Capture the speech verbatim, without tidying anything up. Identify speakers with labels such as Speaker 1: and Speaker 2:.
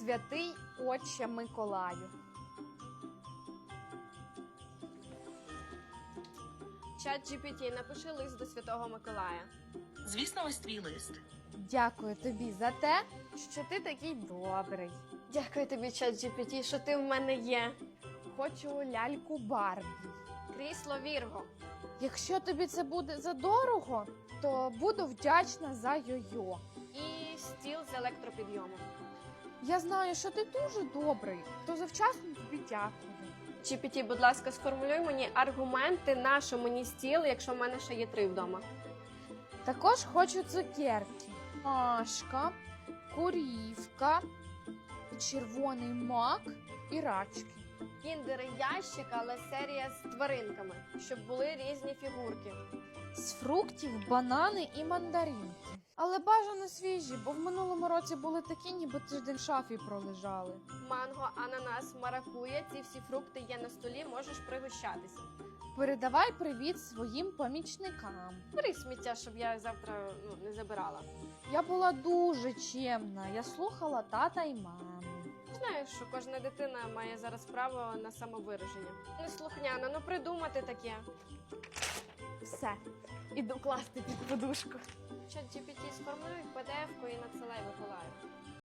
Speaker 1: Святий Отче Миколаю.
Speaker 2: Чат джі пі ті, напиши лист до Святого Миколая.
Speaker 3: Звісно, ось твій лист.
Speaker 1: Дякую тобі за те, що ти такий добрий.
Speaker 2: Дякую тобі, чат джі пі ті, що ти в мене є.
Speaker 1: Хочу ляльку Барбі.
Speaker 2: Крісло Вірго.
Speaker 1: Якщо тобі це буде задорого, то буду вдячна за йо-йо.
Speaker 2: І стіл з електропідйомом.
Speaker 1: Я знаю, що ти дуже добрий, то завчасно тобі дякую.
Speaker 2: джі пі ті, будь ласка, сформулюй мені аргументи, на що мені стіл, якщо в мене ще є три вдома.
Speaker 1: Також хочу цукерки. Машка, курівка, червоний мак і рачки.
Speaker 2: Кіндери ящик, але серія з тваринками, щоб були різні фігурки.
Speaker 1: З фруктів, банани і мандаринки. Але бажано свіжі, бо в минулому році були такі, ніби тиждень в шафі пролежали.
Speaker 2: Манго, ананас, маракуя, ці всі фрукти є на столі, можеш пригощатися.
Speaker 1: Передавай привіт своїм помічникам.
Speaker 2: Бери сміття, щоб я завтра ну, не забирала.
Speaker 1: Я була дуже чемна, я слухала тата і маму.
Speaker 2: Знаєш, що кожна дитина має зараз право на самовираження. Неслухняно, ну придумати таке.
Speaker 1: Все, іду класти під подушку.
Speaker 2: Чат джі пі ті, сформулюй пі ді еф-ку і надсилай Миколаю.